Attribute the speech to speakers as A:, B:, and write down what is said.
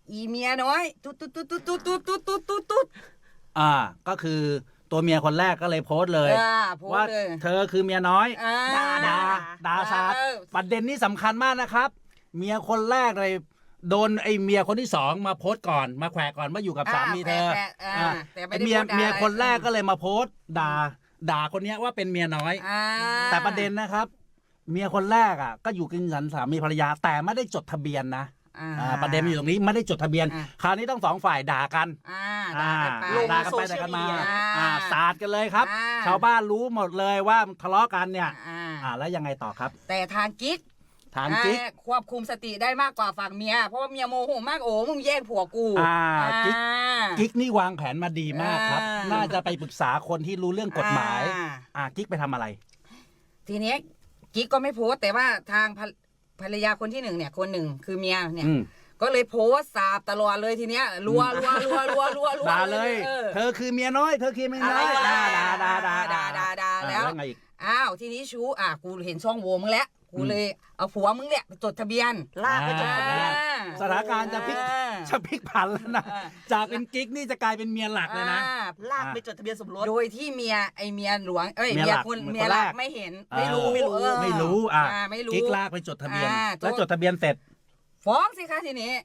A: อีเมียน้อยตุ๊ดตุ๊ดตุ๊ดตุ๊ดตุ๊ดตุ๊ดตุ๊ดตุ๊ดตุ๊ด
B: ก็คือตัวเมียคนแรกก็เลยโพสต์เลย
A: โพส
B: ว่า
A: ต์เลย
B: เธอคือเมียน้อย
A: ด่า
B: ซาดประเด็นนี้สำคัญมากนะครับ เมียคนแรกเลยโดนไอ้เมียคนที่สองมาโพสต์ก่อนมาแขวะก่อนว่าอยู่กับสามีเธอ
A: แต่ไม่
B: ไอ้
A: ได้
B: เมีย
A: พูดด่า
B: คนแรกก็เลยมาโพสต์ด่าคนเนี้ยว่าเป็นเมียน้อย แต่ประเด็นนะครับ เมียคนแรกก็อยู่กินฉันสามีภรรยาแต่ไม่ได้จดทะเบียนนะประเด็นมันอยู่ตรงนี้ไม่ได้จดทะเบียน คราวนี้ต้องสองฝ่ายด่ากัน ด่ากันไปด่ากันมาสาดกันเลยครับ ชาวบ้านรู้หมดเลยว่าทะเลาะกันเนี่ยแล้วยังไงต่อครับ
A: แต่ทางกิ๊ก
B: ทางกิ๊ก
A: ควบคุมสติได้มากกว่าฝั่งเมียเพราะว่าเมียโมโหมากโอ้มึงแย่งผัวกู
B: กิ๊กนี่วางแผนมาดีมากครับ น่าจะไปปรึกษาคนที่รู้เรื่องกฎหมายกิ๊กไปทำอะไร
A: ทีนี้กิ๊กก็ไม่โพสต์แต่ว่าทางภรรยาคนที่หนึ่งเนี่ยคนหนึ่งคือเมียเนี่ยก็เลยโพสต์สาบตลอดเลยทีเนี้ยรัว
B: ด่าเลยเธอคือเมียน้อยเธอคือเมียน้อยด่าแล้วไงอีก
A: ทีนี้ชูกูเห็นช่องโหว่มึงแล้วกูเลยเอาผัวมึงเนี่ยไปจดทะเบียน
C: ลากไปจดทะเบียน
B: สถานการณ์จะพลิกผันแล้วนะจากเป็นกิ๊กนี่จะกลายเป็นเมียหลักเลยนะ
C: ลากไปจดทะเบียนสมรส
A: โดยที่เมียหลวงเมียหลักไม่เห็นไม่รู้
B: กิ๊กลากไปจดทะเบียนแล้วจดทะเบียนเสร็จ
A: ฟ้องสิคะทีนี้